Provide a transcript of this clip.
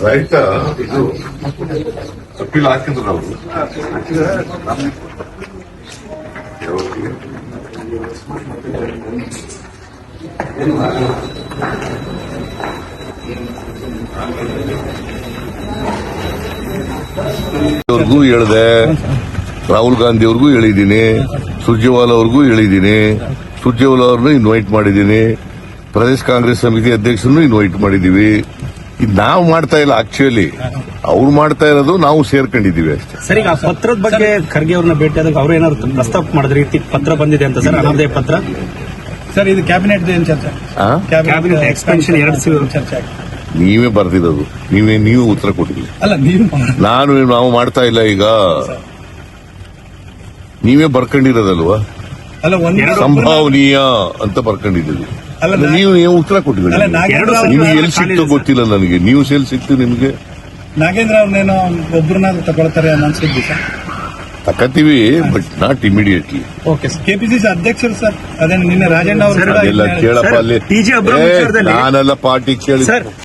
ರೈತ ಇದು ಅಪ್ಪೀಲ್ ಹಾಕಿದ್ರು ನಾವು ಅವ್ರಿಗೂ ಹೇಳಿದೆ, ರಾಹುಲ್ ಗಾಂಧಿ ಅವ್ರಿಗೂ ಹೇಳಿದ್ದೀನಿ, ಸುರ್ಜೇವಾಲಾ ಅವ್ರಿಗೂ ಹೇಳಿದ್ದೀನಿ. ಸುರ್ಜೇವಾಲಾ ಅವ್ರನ್ನ ಇನ್ವೈಟ್ ಮಾಡಿದ್ದೀನಿ, ಪ್ರದೇಶ ಕಾಂಗ್ರೆಸ್ ಸಮಿತಿ ಅಧ್ಯಕ್ಷರನ್ನು ಇನ್ವೈಟ್ ಮಾಡಿದೀವಿ. ಇದು ನಾವು ಮಾಡ್ತಾ ಇಲ್ಲ, ಆಕ್ಚುಲಿ ಅವ್ರು ಮಾಡ್ತಾ ಇರೋದು, ನಾವು ಸೇರ್ಕೊಂಡಿದೀವಿ ಅಷ್ಟೇ. ಸರ್, ಈಗ ಪತ್ರದ ಬಗ್ಗೆ ಖರ್ಗೆ ಅವ್ರನ್ನ ಭೇಟಿಯಾದಾಗ ಅವ್ರು ಏನಾದ್ರು ಪ್ರಸ್ತಾಪ ಮಾಡಿದ್ರೆ ಪತ್ರ ಬಂದಿದೆ ಅಂತ ಸರ್, ಅನಾಮಧೇಯ ಪತ್ರ. ಸರ್, ಇದು ಕ್ಯಾಬಿನೆಟ್ ಏನ್ ಚರ್ಚೆ? ಕ್ಯಾಬಿನೆಟ್ ಎಕ್ಸ್ಪೆನ್ಷನ್ 2 ಚರ್ಚೆ ನೀವೇ ಬರ್ದಿರೋದು, ನೀವು ಉತ್ತರ ಕೊಟ್ಟಿಲ್ಲ. ಅಲ್ಲ, ನೀವು ನಾವು ಮಾಡ್ತಾ ಇಲ್ಲ. ಈಗ ನೀವೇ ಬರ್ಕೊಂಡಿರೋದಲ್ವಾ, ಅಲ್ಲ ಸಂಭಾವನೀಯ ಅಂತ ಬರ್ಕೊಂಡಿದ್ದೀವಿ. ನೀವು ಉತ್ತರ ಕೊಟ್ಟಿದ್ದೀರಿ. ನಿಮ್ಗೆ ಎಲ್ಲಿ ಸಿಕ್ತು ಗೊತ್ತಿಲ್ಲ ನನಗೆ. ನ್ಯೂಸ್ ಎಲ್ಲಿ ಸಿಕ್ತು ನಿಮ್ಗೆ? ನಾಗೇಂದ್ರ ಅವ್ರನ್ನೇನೋ ಒಬ್ಬರನ್ನಾದ್ರೂ ತಗೊಳ್ತಾರೆ ಅನ್ನೋ ಅನ್ಸಿದ್ವಿ ಸರ್. ತಕತೀವಿ, but not immediately. Okay sir. KPCC ಅಧ್ಯಕ್ಷರು ಸರ್, ಅದೇ ನಿನ್ನೆ ರಾಜಣ್ಣ ಅವರು ಅದೆಲ್ಲ ಕೇಳಪ್ಪ ಅಲ್ಲಿ. TJ ಅಬ್ರಹಾಂ ವಿಚಾರದಲ್ಲಿ ನಾನೆಲ್ಲ ಪಾರ್ಟಿ ಕೇಳಿ